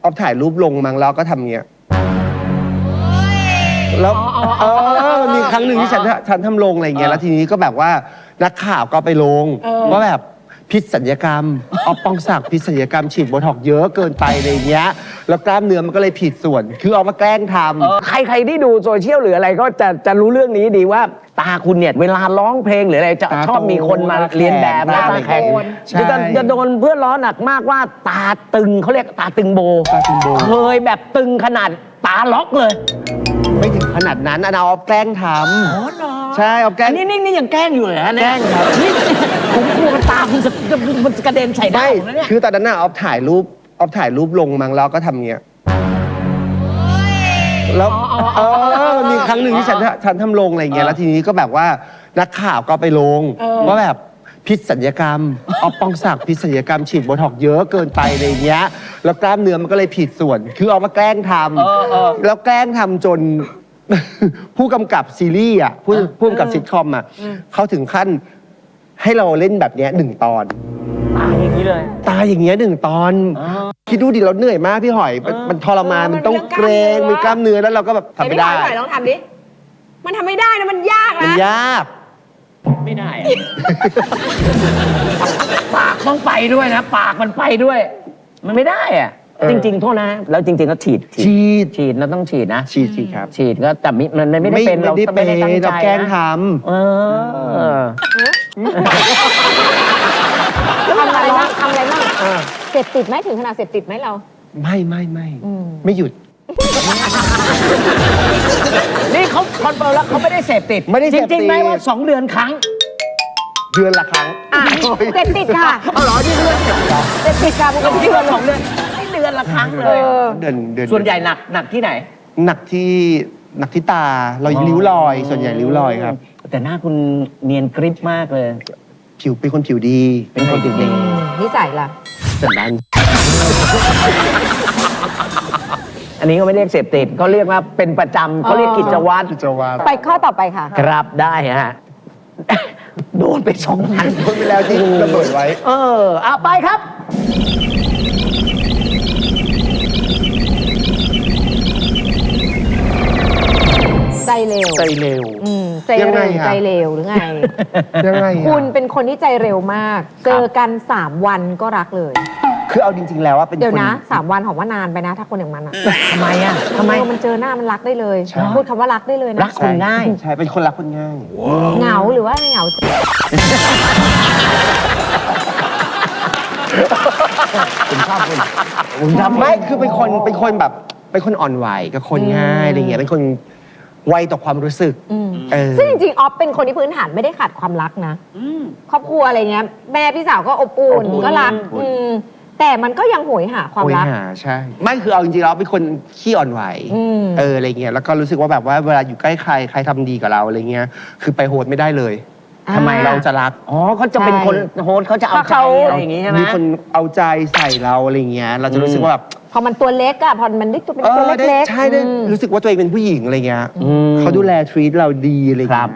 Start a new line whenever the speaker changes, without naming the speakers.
ออฟถ่ายรูปลงมั้งแล้วก็ทำเงี้ยแล้วมีครั้งหนึ่งที่ฉันทำลงอะไรเงี้ยแล้วทีนี้ก็แบบว่านักข่าวก็ไปลงว่าแบบพิษศัลยกรรมออฟปองศักดิ์พิษศัลยกรรมฉีดโบท็อกซ์เยอะเกินไปอะไรเงี้ยแล้วกล้ามเนื้อมันก็เลยผิดส่วนคือเอามาแกล้งทำ
ใครที่ดูโซเชียลหรืออะไรก็จะรู้เรื่องนี้ดีว่าตาคุณเนี่ยเวลาร้องเพลงหรืออะไรจะชอบมีคนมาเรียนแบบแล้วตาแข็งจะโดนเพื่อนล้อหนักมากว่าตาตึงเขาเรียกตาตึงโบเคยแบบตึงขนาดตาล็อกเลย
ไม่ถึงขนาดนั้นเอาออฟแกล้งทำใช่เอาแกล้ง
นี่ยังแกล้งอยู่เหรอเนี่ย
แกล้งครับ
ผมกลัวตาคุณมันกระเด็นใส่ได้เนี่ย
คือตอนนั้นออฟถ่ายรูปลงมั้งแล้วก็ทำเงี้ยแล้วมีครั้งหนึ่งที่ฉันทำลงอะไรเงี้ยแล้วทีนี้ก็แบบว่านักข่าวก็ไปลงว่าแบบพิษศัลยกรรมออฟปองศักดิ์พิษศัลยกรรมฉีดโบท็อกซ์เยอะเกินไปอะไรเงี้ยแล้วกล้ามเนื้อมันก็เลยผิดส่วนคือเอามาแกล้งทำแล้วแกล้งทำจน ผู้กำกับซีรีส์ผู้กำกับซิทคอมเขาถึงขั้นให้เราเล่นแบบเนี้ย1 ตอน
ตายอย่างนี้เลย
ตายอย่างเงี้ย1 ตอนคิดดูดิเราเหนื่อยมากพี่หอยมันทรมานมันต้องเกรงมีกล้ามเนื้อแล้วเราก็แบบทำไม่ได้
พี่หอยลองทำดิมันทำไม่ได้นะมันยากนะ
มันยาก
ไม่ได้ปากต้องไปด้วยนะปากมันไปด้วยมันไม่ได้อะจริงๆโทษนะแล้วจริงๆก็ฉีดเราต้องฉีดนะ
ฉีดครับ
ฉีดก็แต่มันไม่ได้เป็นเราไม่ได้ตั้งใจ
เราแกล้งท
ำทำอะไรบ้างเสพติดไหมถึงขนาดเสพติดไหมเรา
ไม่หยุด
นี่เขาคอนเฟิร์มแล้วเขาไม่ได้เสพติดจริงๆไหมว่า2 เดือนครั้ง
เดือนละครั้ง
เสพติดค่ะ
เหรอที่เดือน
เสพติดค่ะปกติ
2 เดือนไม่เดือนละครั้งเลย
เดือน
ส่วนใหญ่หนักที่ไหน
หนักที่ตาเราริ้วรอยส่วนใหญ่ริ้วรอยครับ
แต่หน้าคุณเนียนกริบมากเลย
ผิวเป็นคนผิวดี
นิสัยล่ะ
สันดาน
อันนี้ก็ไม่เรียกเสพติดเขาเรียกว่าเป็นประจำเขาเรียกกิจวัตร
ไปข้อต่อไปค่ะ
ครับได้ฮะโดนไป2 อัน
โดนไปแล้วที่ระเบิดไว้
เอาไปครับ
ใจเร็ว
ยังไง
ใจเร็วหรือไง
ยังไง
คุณเป็นคนที่ใจเร็วมากเจอกัน3 วันก็รักเลย
คือเอาจริงๆแล้วว่าเป็น
เดี๋ยวนะ3 วันของว่านานไปนะถ้าคนอย่างมัน
ทำไม
มันเจอหน้ามันรักได้เลยพูดคำว่ารักได้เลยนะ
รักคนง่าย
ใช่เป็นคนรักคนง่าย
เหงาหรือว่าเหงา
ผมชอบคุณไม่คือเป็นคนแบบเป็นคนอ่อนไหวกับคนง่ายอะไรเงี้ยเป็นคนไวต่อความรู้สึก
ซึ่งจริงๆออฟเป็นคนที่พื้นฐานไม่ได้ขาดความรักนะครอบครัวอะไรเงี้ยแม่พี่สาวก็อบอุ่นก็รักแต่มันก็ยังโหยหาความรัก
ใช่ไม่คือเอาจริงๆเราเป็นคนขี้อ่อนไหวอะไรเงี้ยแล้วก็รู้สึกว่าแบบว่าเวลาอยู่ใกล้ใครทำดีกับเราอะไรเงี้ยคือไปโหดไม่ได้เลย
ทำไม
เราจะรัก
เขาจะเป็นคนโหดเขาจะเอาใจอะไรอย่างงี้ใช่ไหม
มีคนเอาใจใส่เราอะไรเงี้ยเราจะรู้สึกว่าแบบ
พอมันตัวเล็กอะพอมันได้ตัวเป็นตัวเล็ก
ใช่ได้รู้สึกว่าตัวเองเป็นผู้หญิงอะไรเงี้ยเขาดูแลทรีตเราดีอะไรเงี้ย